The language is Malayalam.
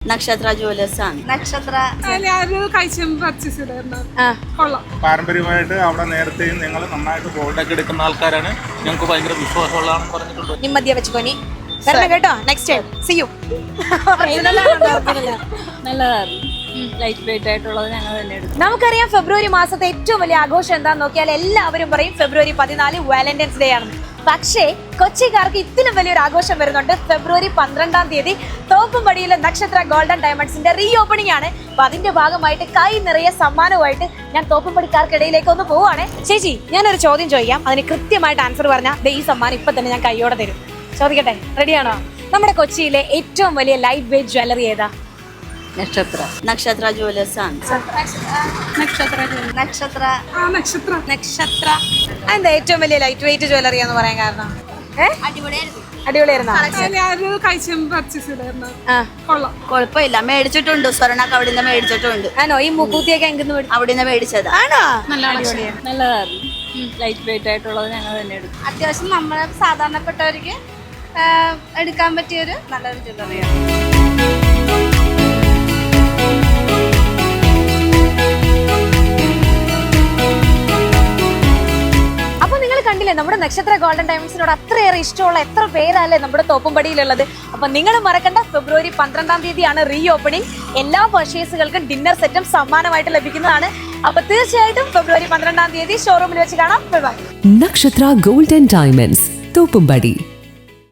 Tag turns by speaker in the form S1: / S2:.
S1: നക്ഷത്ര ജുവലേഴ്സ് ആണ്.
S2: നക്ഷത്ര
S3: പാരമ്പര്യമായിട്ട് അവിടെ നേരത്തെയും ഞങ്ങൾ നന്നായിട്ട് ഗോൾഡൊക്കെ എടുക്കുന്ന ആൾക്കാരാണ്. ഞങ്ങൾക്ക് ഭയങ്കര വിശ്വാസമുള്ളതാണെന്ന് പറഞ്ഞിട്ടുണ്ട്.
S4: നിമ്മതിയെ വെച്ചുകൊനി വരണം കേട്ടോ. Next time see you.
S1: നല്ലതാണ്. ലൈറ്റ് വെയിറ്റ് ആയിട്ടുള്ളത് ഞങ്ങൾ തന്നെ എടുക്കും.
S4: നമുക്കറിയാം ഫെബ്രുവരി മാസത്തെ ഏറ്റവും വലിയ ആഘോഷം എന്താന്ന് നോക്കിയാൽ എല്ലാവരും പറയും ഫെബ്രുവരി 14 വാലന്റൈൻസ് ഡേ ആണ്. പക്ഷേ കൊച്ചിക്കാർക്ക് ഇതിലും വലിയൊരു ആഘോഷം വരുന്നുണ്ട്. ഫെബ്രുവരി 12-ാം തീയതി തോപ്പുംപടിയിലെ നക്ഷത്ര ഗോൾഡൻ ഡയമണ്ട്സിന്റെ റീ ഓപ്പണിംഗ് ആണ്. അപ്പൊ അതിന്റെ ഭാഗമായിട്ട് കൈ നിറയെ സമ്മാനവുമായിട്ട് ഞാൻ തോപ്പുംപടിക്കാർക്കിടയിലേക്ക് ഒന്ന് പോവാണ്. ചേച്ചി, ഞാനൊരു ചോദ്യം ചോദിക്കാം, അതിന് കൃത്യമായിട്ട് ആൻസർ പറഞ്ഞാൽ ഈ സമ്മാനം ഇപ്പൊ തന്നെ ഞാൻ കൈയോടെ തരും. ചോദിക്കട്ടെ, റെഡിയാണോ? നമ്മുടെ കൊച്ചിയിലെ ഏറ്റവും വലിയ ലൈറ്റ് വെയിറ്റ് ജ്വല്ലറി ഏതാ?
S1: നക്ഷത്ര ജുവലേഴ്സ് ആണ്.
S4: നക്ഷത്ര എന്താ ഏറ്റവും വലിയ ലൈറ്റ് വെയിറ്റ് ജ്വല്ലറി എന്ന് പറയാൻ കാരണം? അടിപൊളിയായിരുന്നു.
S1: കുഴപ്പമില്ല, മേടിച്ചിട്ടുണ്ട്. സ്വർണ്ണൊക്കെ അവിടെ നിന്ന് മേടിച്ചിട്ടുണ്ട്.
S4: ആണോ? ഈ മുക്കൂത്തിയൊക്കെ എങ്ങനെ
S1: അവിടെ നിന്ന് മേടിച്ചത്
S4: ആണോ?
S1: നല്ലതായിരുന്നു. ലൈറ്റ് വെയിറ്റ് ആയിട്ടുള്ളത് ഞങ്ങൾ തന്നെ എടുക്കും.
S2: അത്യാവശ്യം നമ്മളെ സാധാരണപ്പെട്ടവർക്ക് എടുക്കാൻ പറ്റിയൊരു നല്ലൊരു ജ്വല്ലറിയാണ്.
S4: കണ്ടില്ലേ, നമ്മുടെ നക്ഷത്ര ഗോൾഡൻ ഡയമണ്ട്സിനോട് അത്രയേറെ ഇഷ്ടമുള്ള എത്ര പേരല്ലേ നമ്മുടെ തോപ്പുംപടിയിലുള്ളത്. അപ്പൊ നിങ്ങൾ മറക്കണ്ട, ഫെബ്രുവരി 12-ാം തീയതിയാണ് റീ ഓപ്പണിംഗ്. എല്ലാ പർച്ചേസുകൾക്കും ഡിന്നർ സെറ്റും സമ്മാനമായിട്ട് ലഭിക്കുന്നതാണ്. അപ്പൊ തീർച്ചയായിട്ടും ഫെബ്രുവരി 12-ാം തീയതി ഷോറൂമിൽ വെച്ച് കാണാം. ബൈ.
S5: നക്ഷത്ര ഗോൾഡൻ ഡയമണ്ട്സ്, തോപ്പുംപടി.